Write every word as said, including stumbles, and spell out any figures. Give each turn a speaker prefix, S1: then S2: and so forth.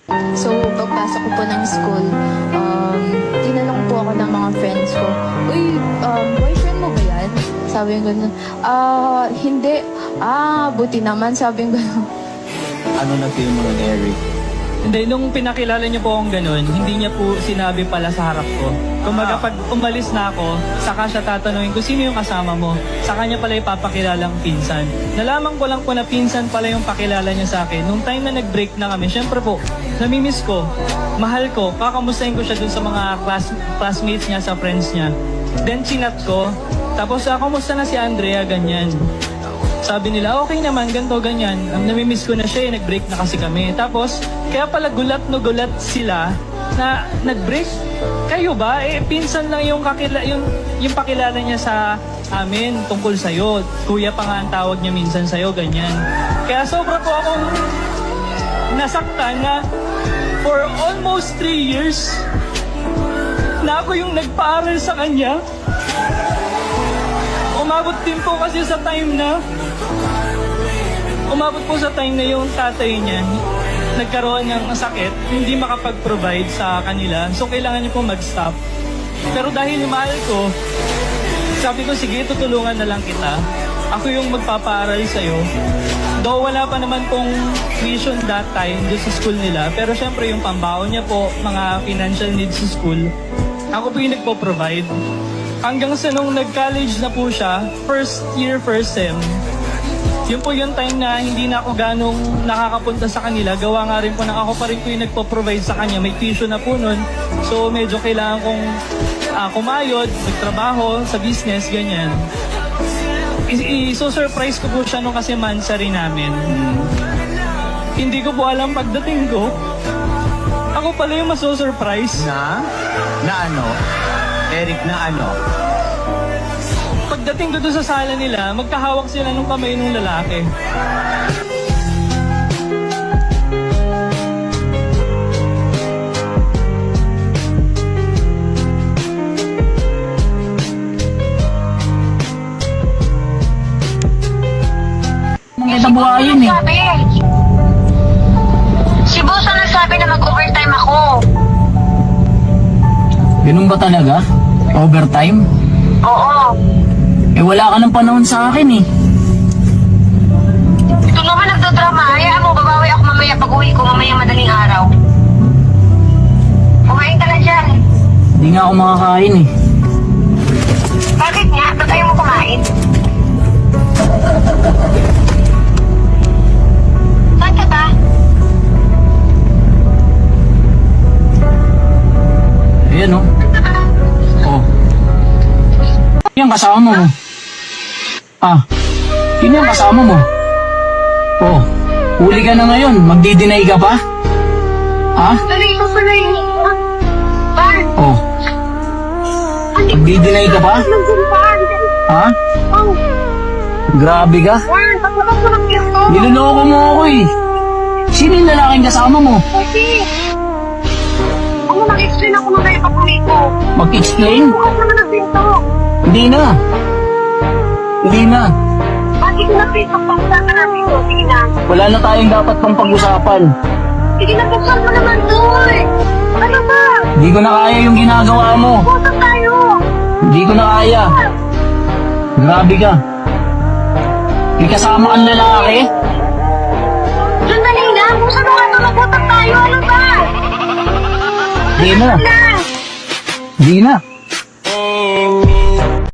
S1: So, pagpasok ko po ng school, um, tinanong po ako ng mga friends ko, uy, um, boyfriend mo ba yan? Sabi ko gano'n, ah, hindi. Ah, buti naman, sabi ko gano'n.
S2: Ano na feel mo ni Eric?
S3: Hindi, nung pinakilala niya po akong ganun, hindi niya po sinabi pala sa harap ko. Kumbaga pag umalis na ako, saka siya tatanungin ko, sino yung kasama mo? Saka niya pala ipapakilalang pinsan. Nalaman ko lang po na pinsan pala yung pakilala niya sa akin. Nung time na nag-break na kami, syempre po, namimiss ko, mahal ko, kakamustahin ko siya dun sa mga class, classmates niya, sa friends niya. Then chinat ko, tapos ah, kumusta na si Andrea, ganyan. Sabi nila, okay naman, ganito, ganyan. Um, namimiss ko na siya, eh, nag-break na kasi kami. Tapos, kaya pala gulat no gulat sila na nag-break. Kayo ba? Eh, pinsan lang yung, kakila, yung, yung pakilala niya sa amin tungkol sa'yo. Kuya pa nga ang tawag niya minsan sa'yo, ganyan. Kaya sobra po akong nasaktan na for almost three years na ako yung nagpaaral sa kanya. Umabot din po kasi sa time na umabot po sa time na yung tatay niya nagkaroon ng sakit, hindi makapag-provide sa kanila. So, kailangan niya po mag-stop. Pero dahil mahal ko, sabi ko, sige, tutulungan na lang kita. Ako yung magpapaaral sa'yo. Though wala pa naman pong tuition that time doon sa school nila. Pero syempre yung pambaon niya po, mga financial needs sa school, ako po yung nagpo-provide. Hanggang sa nung nag-college na po siya, first year, first sem, yun po yung time na hindi na ako ganong nakakapunta sa kanila. Gawa nga rin po na ako pa rin po yung nagpo-provide sa kanya. May tuition na po nun. So medyo kailangan kong uh, kumayod, magtrabaho sa business, ganyan. I-so-surprise ko po siya nung kasi mansari namin. Hindi ko po alam pagdating ko. Ako pala yung maso-surprise.
S2: Na? Na ano? Eric, na ano?
S3: Pagdating ko doon sa sala nila, magkahawak sila ng kamay ng lalaki.
S4: Maganda buhayin eh.
S5: Si boss ang nagsabi na mag-overtime ako.
S4: Ganun ba talaga? Overtime?
S5: Oo.
S4: Eh wala ka ng panahon sa akin eh.
S5: Ito naman nagdodrama. Hayaan mo, babawi ako mamaya pag uwi ko mamaya madaling araw. Kumain ka na dyan.
S4: Hindi nga ako makakain eh.
S5: Bakit nga? Ba't ayaw mo kumain? Saan ka ba?
S4: Ayan oh. Oh. Yan kasama mo. Ah, yun yung kasama mo. Oh, huli ka na ngayon. Magdi-deny ka pa? Ha?
S5: Dali ko pala yun. Bar?
S4: Oh, magdi-deny ka pa? Ha?
S5: Oh,
S4: Grabe ka.
S5: Bar, paglakas mo ng pinto.
S4: Niloloko mo ako eh. Sino yung lalaking kasama mo?
S5: Kasi, ako mag-explain ako na kayo pag uwi ko.
S4: Mag-explain?
S5: Bukas naman ang pinto.
S4: Hindi na. Hindi na.
S5: Bakit na pinto pag-usapan natin ito? Sige na.
S4: Wala na tayong dapat pang pag-usapan.
S5: Sige na, buksan mo naman doon. Ano ba?
S4: Hindi ko na kaya yung ginagawa mo.
S5: Buksan tayo.
S4: Hindi ko na kaya. Grabe ka. May kasama kang lalaki?
S5: Sandali na. Buksan mo nga ito. Magbutang tayo. Ano ba?
S4: Hindi na.
S5: Na.
S4: Hindi na.